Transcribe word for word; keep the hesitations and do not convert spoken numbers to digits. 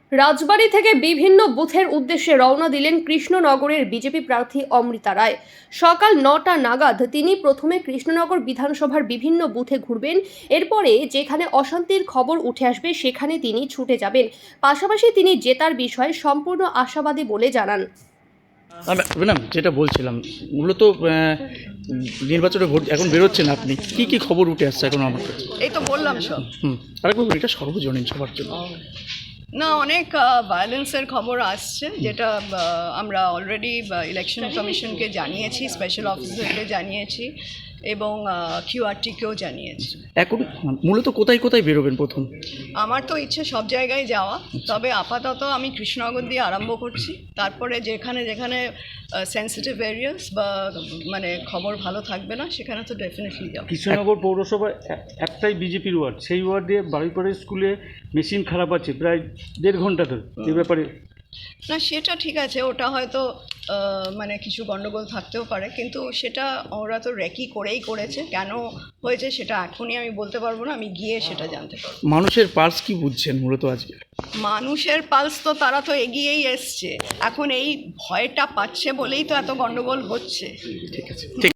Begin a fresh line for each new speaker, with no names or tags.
রাজবাড়ী থেকে বিভিন্ন বুথের উদ্দেশ্যে রওনা দিলেন কৃষ্ণনগরের বিজেপি প্রার্থী অমৃতা রায়। সকাল নটা নাগাদ তিনি প্রথমে কৃষ্ণনগর বিধানসভার বিভিন্ন বুথে ঘুরবেন। এরপরে যেখানে অশান্তির খবর উঠে আসবে সেখানে তিনি ছুটে যাবেন। পাশাপাশি তিনি জেতার বিষয়ে সম্পূর্ণ আশাবাদী বলে জানান।
ম্যাডাম, যেটা বলছিলাম মূলত নির্বাচনে ভোট এখন বেরোচ্ছেন, আপনি কি কি খবর উঠে আসছে এখন আমার কাছে?
এই তো বললাম সব।
হুম আরেকবার এটা সর্বজনীন সবার জন্য।
না, অনেক ভায়োলেন্সের খবর আসছে, যেটা আহ, আমরা অলরেডি ইলেকশন কমিশনকে জানিয়েছি, স্পেশাল অফিসারকে জানিয়েছি এবং কিউআরটিকেও জানিয়েছি।
এখন মূলত কোথায় কোথায় বেরোবেন প্রথম?
আমার তো ইচ্ছে সব জায়গায় যাওয়া, তবে আপাতত আমি কৃষ্ণনগর দিয়ে আরম্ভ করছি। তারপরে যেখানে যেখানে সেন্সিটিভ এরিয়াস বা মানে খবর ভালো থাকবে না সেখানে তো ডেফিনেটলি যাবো।
কৃষ্ণনগর পৌরসভা একটাই বিজেপির ওয়ার্ড, সেই ওয়ার্ডে বাড়িপাড়া স্কুলে মেশিন খারাপ আছে প্রায় দেড় ঘন্টা ধরে। এ ব্যাপারে
না, সেটা ঠিক আছে, ওটা হয়তো আহ, মানে কিছু গন্ডগোল থাকতেও পারে, কিন্তু সেটা ওরা তো রেকি করেই করেছে। কেন হয়েছে সেটা এখনই আমি বলতে পারবো না, আমি গিয়ে সেটা জানতে পারবো।
মানুষের পার্স কি বুঝছেন মূলত আজকে?
মানুষের পালস তো তারা তো এগিয়েই এসছে, এখন এই ভয়টা পাচ্ছে বলেই তো এত গন্ডগোল হচ্ছে।
ঠিক আছে, ঠিক।